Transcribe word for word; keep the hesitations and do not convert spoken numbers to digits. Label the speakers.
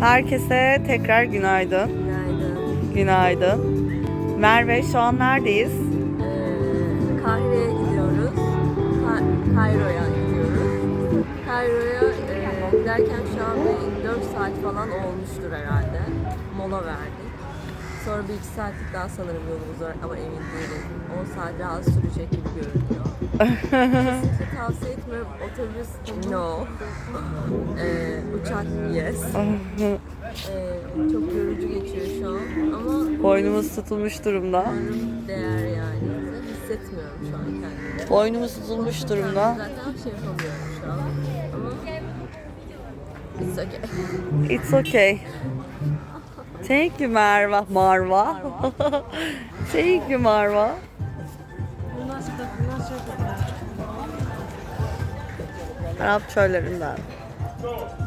Speaker 1: Herkese tekrar günaydın.
Speaker 2: Günaydın.
Speaker 1: Günaydın. Merve, şu an neredeyiz?
Speaker 2: Ee, Kahire'ye gidiyoruz. Ka- Kairo'ya gidiyoruz. Kairo'ya e, giderken şu an bir dört saat falan olmuştur herhalde. Mola verdik. Sonra bir iki saatlik daha sanırım yolumuz var ama emin değilim. on saat daha sürecek gibi görünüyor. Kesinlikle tavsiye etmiyorum. Otobüs no. ee, uçak yes. ee, çok yorucu geçiyor şu an ama
Speaker 1: Boynumuz tutulmuş durumda.
Speaker 2: umarım değer yani. Hissetmiyorum şu an kendimi.
Speaker 1: Boynumuz tutulmuş durumda.
Speaker 2: Zaten bir şey yapamıyorum şu an ama it's okay.
Speaker 1: It's okay. Thank you Marva. Marva. Thank you Marva. Arap çöllerinden.